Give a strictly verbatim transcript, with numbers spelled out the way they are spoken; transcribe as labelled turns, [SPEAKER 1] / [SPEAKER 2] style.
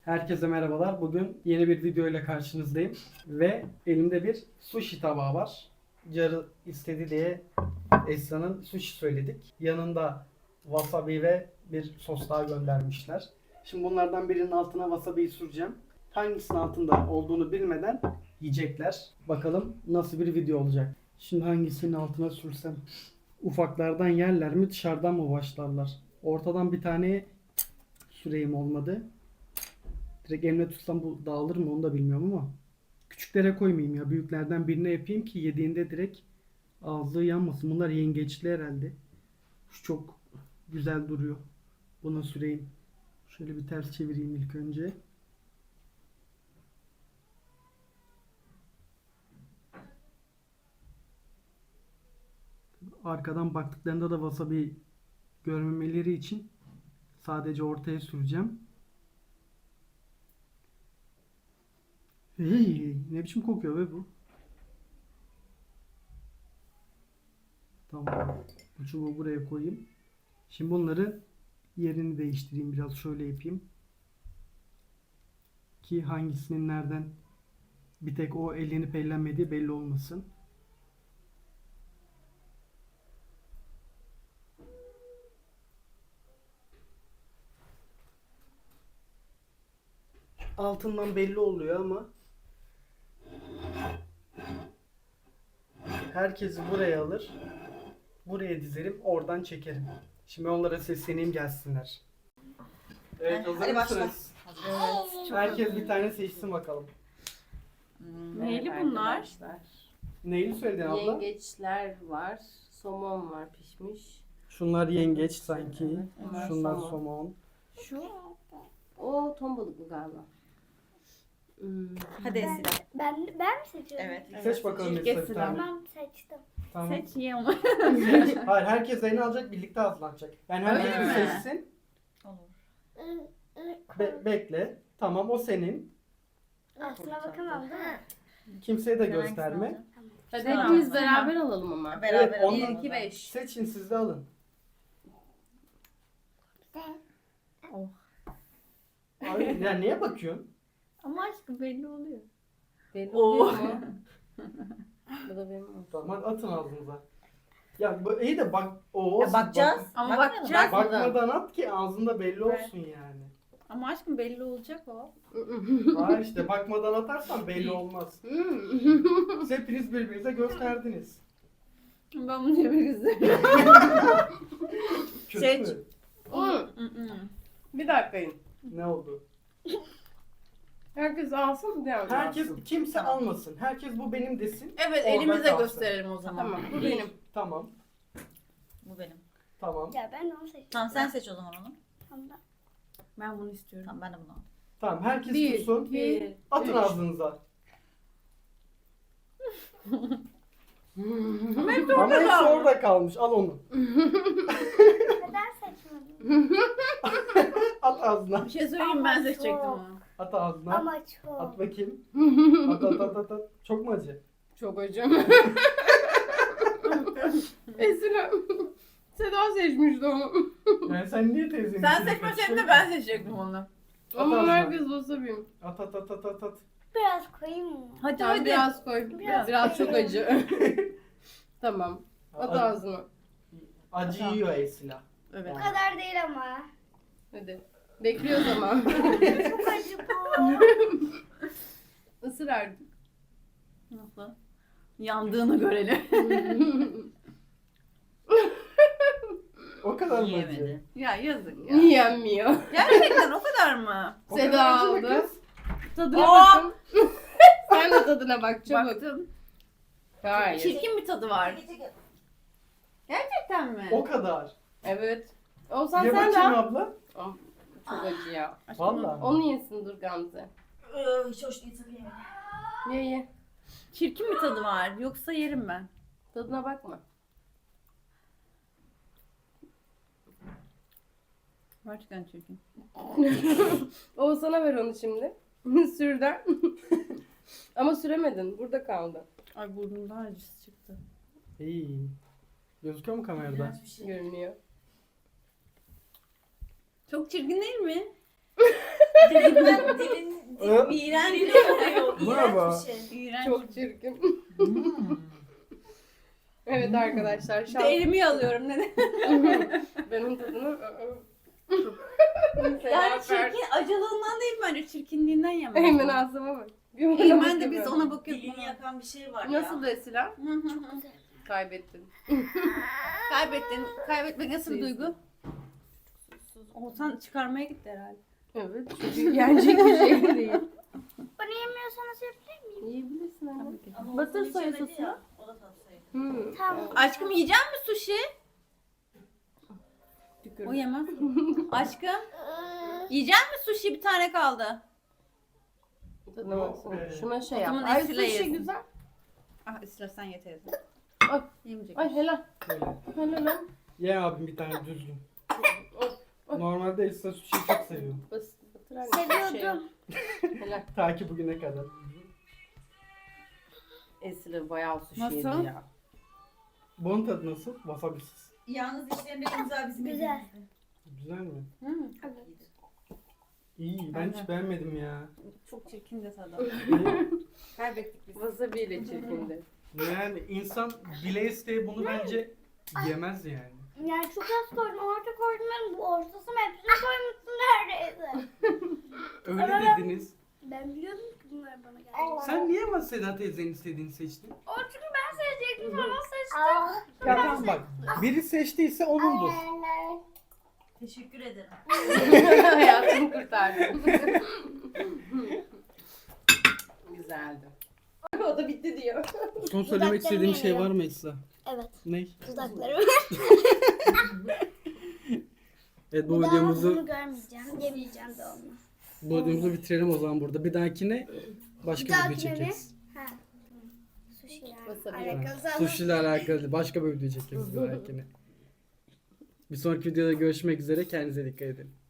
[SPEAKER 1] Herkese merhabalar. Bugün yeni bir video ile karşınızdayım. Ve elimde bir sushi tabağı var. Carı istedi diye Esra'nın sushi söyledik. Yanında wasabi ve bir sos daha göndermişler. Şimdi bunlardan birinin altına wasabi'yi süreceğim. Hangisinin altında olduğunu bilmeden yiyecekler. Bakalım nasıl bir video olacak. Şimdi hangisinin altına sürsem? Ufaklardan yerler mi, dışarıdan mı başlarlar? Ortadan bir tane süreyim, olmadı. Direkt elimle tutsam bu dağılır mı onu da bilmiyorum ama küçüklere koymayayım ya. Büyüklerden birine yapayım ki yediğinde direkt ağzı yanmasın. Bunlar yengeçli herhalde. Şu çok güzel duruyor. Buna süreyim. Şöyle bir ters çevireyim ilk önce. Arkadan baktıklarında da wasabi görmemeleri için sadece ortaya süreceğim. Hey, ne biçim kokuyor be bu? Tamam. Bu çubuğu buraya koyayım. Şimdi bunları yerini değiştireyim. Biraz şöyle yapayım. Ki hangisinin nereden bir tek o ellenip ellenmediği belli olmasın. Altından belli oluyor ama herkesi buraya alır. Buraya dizerim. Oradan çekerim. Şimdi onlara sesleneyim, gelsinler. Evet, hazır
[SPEAKER 2] Hadi başla.
[SPEAKER 1] mısınız?
[SPEAKER 2] Evet.
[SPEAKER 1] Herkes bir tane seçsin bakalım.
[SPEAKER 2] Hmm,
[SPEAKER 3] Neyli
[SPEAKER 2] evet
[SPEAKER 3] bunlar?
[SPEAKER 2] arkadaşlar.
[SPEAKER 1] Neyini söyledin abla?
[SPEAKER 2] Yengeçler var. Somon var pişmiş.
[SPEAKER 1] Şunlar yengeç sanki.
[SPEAKER 2] Evet, bunlar
[SPEAKER 1] Şunlar
[SPEAKER 2] somon.
[SPEAKER 1] somon.
[SPEAKER 2] Şu. O ton balıklı galiba. Hmm.
[SPEAKER 3] Hadi
[SPEAKER 4] Ben,
[SPEAKER 3] Esra.
[SPEAKER 4] ben, ben mi seçiyorum?
[SPEAKER 3] Evet.
[SPEAKER 1] Seç bakalım
[SPEAKER 3] İlk
[SPEAKER 1] Esra bir
[SPEAKER 3] Esra.
[SPEAKER 1] tane.
[SPEAKER 4] Tamam seçtim.
[SPEAKER 1] Tamam.
[SPEAKER 3] Seç ye onu.
[SPEAKER 1] Seç. Hayır, herkes elini alacak, birlikte hazırlanacak. Yani herkes
[SPEAKER 3] Öyle
[SPEAKER 1] bir
[SPEAKER 3] mi?
[SPEAKER 1] seçsin.
[SPEAKER 4] I, I,
[SPEAKER 1] Be- bekle. Tamam, o senin.
[SPEAKER 4] Aslına bakamam değil mi?
[SPEAKER 1] Kimseye de
[SPEAKER 3] Sen
[SPEAKER 1] gösterme.
[SPEAKER 3] hangisini
[SPEAKER 2] Hadi
[SPEAKER 3] Tamam.
[SPEAKER 2] hepimiz
[SPEAKER 3] Tamam.
[SPEAKER 2] beraber alalım ama.
[SPEAKER 3] Beraber
[SPEAKER 1] Evet,
[SPEAKER 3] alalım.
[SPEAKER 1] ondan-
[SPEAKER 3] bir, iki, beş.
[SPEAKER 1] Seçin, siz de alın. Abi, ya niye bakıyorsun?
[SPEAKER 3] Ama aşkım belli oluyor.
[SPEAKER 2] Belli
[SPEAKER 3] Oo.
[SPEAKER 2] oluyor mu? Bu da benim olsun.
[SPEAKER 1] Tamam, hadi atın ağzınıza. Ya bu iyi de bak, o
[SPEAKER 2] Ya bakacağız.
[SPEAKER 3] Ama
[SPEAKER 2] Bakmayalım,
[SPEAKER 3] bakacağız.
[SPEAKER 1] bakmadan at ki ağzında belli olsun yani.
[SPEAKER 3] Ama aşkım belli olacak o.
[SPEAKER 1] Hayır işte, bakmadan atarsan belli olmaz.
[SPEAKER 2] Hmm.
[SPEAKER 1] Siz hepiniz birbirinize gösterdiniz.
[SPEAKER 3] Ben bunu yemek istemiyorum.
[SPEAKER 1] Kötü
[SPEAKER 3] Seç.
[SPEAKER 1] mü?
[SPEAKER 2] Hmm. Bir dakika.
[SPEAKER 1] Ne oldu?
[SPEAKER 2] Herkes alsın bir daha
[SPEAKER 1] Herkes,
[SPEAKER 2] alsın.
[SPEAKER 1] kimse
[SPEAKER 3] Tamam.
[SPEAKER 1] almasın. Herkes bu benim desin.
[SPEAKER 3] Evet,
[SPEAKER 1] Orada
[SPEAKER 3] elimize
[SPEAKER 1] kalsın.
[SPEAKER 3] gösterelim o zaman.
[SPEAKER 2] Tamam bu
[SPEAKER 3] Bir.
[SPEAKER 2] benim.
[SPEAKER 1] Tamam,
[SPEAKER 5] Bu benim.
[SPEAKER 1] tamam.
[SPEAKER 4] Ya ben onu seçtim.
[SPEAKER 5] Tamam sen seç o zaman onu.
[SPEAKER 4] Tamam.
[SPEAKER 3] Ben bunu istiyorum.
[SPEAKER 5] Tamam ben de bunu aldım.
[SPEAKER 1] Tamam, herkes
[SPEAKER 2] Bir,
[SPEAKER 1] tutsun.
[SPEAKER 2] iki,
[SPEAKER 1] Atın
[SPEAKER 2] üç.
[SPEAKER 1] ağzınıza.
[SPEAKER 3] Ama hep
[SPEAKER 1] Ama
[SPEAKER 3] orada
[SPEAKER 1] hepsi
[SPEAKER 3] kaldı.
[SPEAKER 1] orada kalmış. Al onu.
[SPEAKER 4] Neden seçmedim?
[SPEAKER 1] At ağzına.
[SPEAKER 3] Bir şey söyleyeyim,
[SPEAKER 4] Ama
[SPEAKER 3] ben
[SPEAKER 4] çok.
[SPEAKER 3] seçecektim onu.
[SPEAKER 1] At ağzına.
[SPEAKER 4] Ama çok.
[SPEAKER 1] At bakayım. At at at at. at. Çok mu acı?
[SPEAKER 2] Çok acım. Esra. Seda seçmişti onu.
[SPEAKER 1] Yani sen niye teyzenin
[SPEAKER 3] Sen
[SPEAKER 1] içine
[SPEAKER 3] seçmeseydin
[SPEAKER 1] kaçıyorsun?
[SPEAKER 3] de ben seçecektim onu.
[SPEAKER 1] At
[SPEAKER 2] Ama
[SPEAKER 1] ağzına.
[SPEAKER 2] herkes wasabi.
[SPEAKER 1] At at at at at at.
[SPEAKER 4] Biraz koyayım mı?
[SPEAKER 3] Hadi
[SPEAKER 2] Tamam,
[SPEAKER 3] hadi.
[SPEAKER 2] biraz koy.
[SPEAKER 4] Biraz
[SPEAKER 2] Biraz, çok
[SPEAKER 4] koyayım.
[SPEAKER 2] acı. Tamam. At
[SPEAKER 1] Acı-
[SPEAKER 2] ağzına.
[SPEAKER 1] Acı yiyor Esila.
[SPEAKER 3] Evet.
[SPEAKER 4] Bu kadar değil ama.
[SPEAKER 2] Hadi. Bekliyoruz ama.
[SPEAKER 4] Çok acı bu.
[SPEAKER 2] Isır artık.
[SPEAKER 3] Nasıl? Yandığını görelim.
[SPEAKER 1] O kadar mı acı?
[SPEAKER 5] Yiyemedi.
[SPEAKER 3] Ya yazık ya.
[SPEAKER 2] Yenmiyor.
[SPEAKER 3] Gerçekten o kadar mı?
[SPEAKER 1] O
[SPEAKER 2] Seda
[SPEAKER 1] kadar acı mı
[SPEAKER 2] aldı.
[SPEAKER 1] kız?
[SPEAKER 2] Tadına
[SPEAKER 3] Oo!
[SPEAKER 2] bakın. Sen de tadına bak çabuk.
[SPEAKER 3] Baktım.
[SPEAKER 2] Hayır.
[SPEAKER 3] Çirkin bir tadı var. Gerçekten mi?
[SPEAKER 1] O kadar.
[SPEAKER 2] Evet. Olsan
[SPEAKER 1] Ye
[SPEAKER 2] sen de
[SPEAKER 1] bakayım
[SPEAKER 2] al.
[SPEAKER 1] abla.
[SPEAKER 2] Oh, çok acı ya.
[SPEAKER 1] Vallahi.
[SPEAKER 2] Onu yesin dur Gamze.
[SPEAKER 5] Hiç hoş değil tabii.
[SPEAKER 2] Ye ye.
[SPEAKER 3] Çirkin bir tadı var. Yoksa yerim ben.
[SPEAKER 2] Tadına bakma.
[SPEAKER 3] Gerçekten çirkin.
[SPEAKER 2] Oğuzhan'a ver onu şimdi. Sürden. Ama süremedin. Burada kaldı.
[SPEAKER 3] Ay burnumda acısı çıktı.
[SPEAKER 1] İyi. Gözüküyor mu kamerada?
[SPEAKER 5] Bir şey.
[SPEAKER 2] Görünüyor.
[SPEAKER 3] Çok çirkin değil mi?
[SPEAKER 5] Dilinden dilin
[SPEAKER 1] Ö?
[SPEAKER 5] iğrenç oluyor.
[SPEAKER 1] Bravo.
[SPEAKER 5] İğrenç bir şey.
[SPEAKER 3] İğrenç.
[SPEAKER 2] Çok çirkin.
[SPEAKER 5] Hmm.
[SPEAKER 2] Evet arkadaşlar
[SPEAKER 3] Bir
[SPEAKER 2] şans.
[SPEAKER 3] de elimi alıyorum neden?
[SPEAKER 2] Benim tadını
[SPEAKER 3] Yani çirkin acılığından değil bence çirkinliğinden yemem.
[SPEAKER 2] Hemen ağzıma bak.
[SPEAKER 3] Eymen de biz ona bakıyoruz.
[SPEAKER 5] Dilini yakan bir şey var ya.
[SPEAKER 2] Nasıl Esila?
[SPEAKER 3] Hı hı hı.
[SPEAKER 2] Kaybettin.
[SPEAKER 3] Kaybettin. Kaybetmek nasıl bir duygu? Oğuzhan çıkarmaya gitti herhalde.
[SPEAKER 2] Evet. Çünkü yenecek bir şey değil.
[SPEAKER 4] Bana yemiyorsanız yapayım mı?
[SPEAKER 2] Yiyebilirsin ama.
[SPEAKER 3] Tabii ki.
[SPEAKER 5] Ama
[SPEAKER 2] Batır
[SPEAKER 5] Oğuzhan
[SPEAKER 2] soya
[SPEAKER 5] içemedi
[SPEAKER 2] sosu.
[SPEAKER 5] ya, o da tatsaydı.
[SPEAKER 2] Hmm.
[SPEAKER 4] Tamam.
[SPEAKER 3] Aşkım yiyecek misin sushi?
[SPEAKER 2] Tükür.
[SPEAKER 3] O yemez. Aşkım yiyecek misin sushi? Bir tane kaldı.
[SPEAKER 2] Tadına baksana. Şuna şey
[SPEAKER 3] O
[SPEAKER 2] yap.
[SPEAKER 3] zaman
[SPEAKER 2] Ay
[SPEAKER 3] Esila
[SPEAKER 2] sushi
[SPEAKER 3] yesin.
[SPEAKER 2] güzel.
[SPEAKER 3] Ah istersen ye teyze.
[SPEAKER 2] Ay.
[SPEAKER 3] Yemeyecek.
[SPEAKER 2] Ay helal.
[SPEAKER 1] Böyle.
[SPEAKER 2] Helal lan.
[SPEAKER 1] Ye abim bir tane düzgün. Normalde Esra sushi'yi çok seviyor.
[SPEAKER 2] Bas, batır anne.
[SPEAKER 4] Seviyordum.
[SPEAKER 2] Şey. Helal.
[SPEAKER 1] Ta ki bugüne kadar.
[SPEAKER 2] Esila bayağı sushi
[SPEAKER 3] Nasıl?
[SPEAKER 2] yedi ya.
[SPEAKER 1] Bunun tadı nasıl? Wasabisiz.
[SPEAKER 5] Yalnız işlerinde güzel bizim
[SPEAKER 4] Güzel.
[SPEAKER 5] elimizde.
[SPEAKER 1] Güzel mi?
[SPEAKER 3] Hı.
[SPEAKER 4] Evet.
[SPEAKER 1] İyi. Ben
[SPEAKER 3] Aynen.
[SPEAKER 1] hiç beğenmedim ya.
[SPEAKER 3] Çok çirkin de tadı. Kaybettik biz.
[SPEAKER 2] Wasabi ile çirkindi.
[SPEAKER 1] Yani insan bile isteye bunu bence yemez yani.
[SPEAKER 4] Yani çok az koydum. Orta koydum. Ben bu ortasını hepsini koymuşsun neredeyse.
[SPEAKER 1] Öyle dediniz.
[SPEAKER 4] Ben biliyordum ki bunlar bana geldi.
[SPEAKER 1] Sen niye ama Seda teyzenin istediğini seçtin?
[SPEAKER 4] O çünkü ben seçecektim sonra seçtim.
[SPEAKER 1] Ya tamam bak. Biri seçtiyse onundur.
[SPEAKER 5] Teşekkür ederim.
[SPEAKER 2] Hayatımı kurtardın. Güzeldi. O da bitti diyor.
[SPEAKER 1] Son söylemek istediğin şey var mı Esra?
[SPEAKER 4] Evet.
[SPEAKER 1] Ne?
[SPEAKER 4] Dudaklarım.
[SPEAKER 1] Evet bu
[SPEAKER 4] Bu daha
[SPEAKER 1] videomuzu
[SPEAKER 4] bunu görmeyeceğim. Yemeyeceğim de onu.
[SPEAKER 1] bu videomuzu bitirelim o zaman burada. Bir dahakine başka
[SPEAKER 4] Bir
[SPEAKER 1] bir video
[SPEAKER 4] dahakine mi?
[SPEAKER 1] çekeriz.
[SPEAKER 4] Ha. Sushi yani.
[SPEAKER 2] Wasabi.
[SPEAKER 4] Alakalı.
[SPEAKER 1] Sushi ile alakalı başka bir video çekeriz bir dahakine. Bir sonraki videoda görüşmek üzere. Kendinize dikkat edin.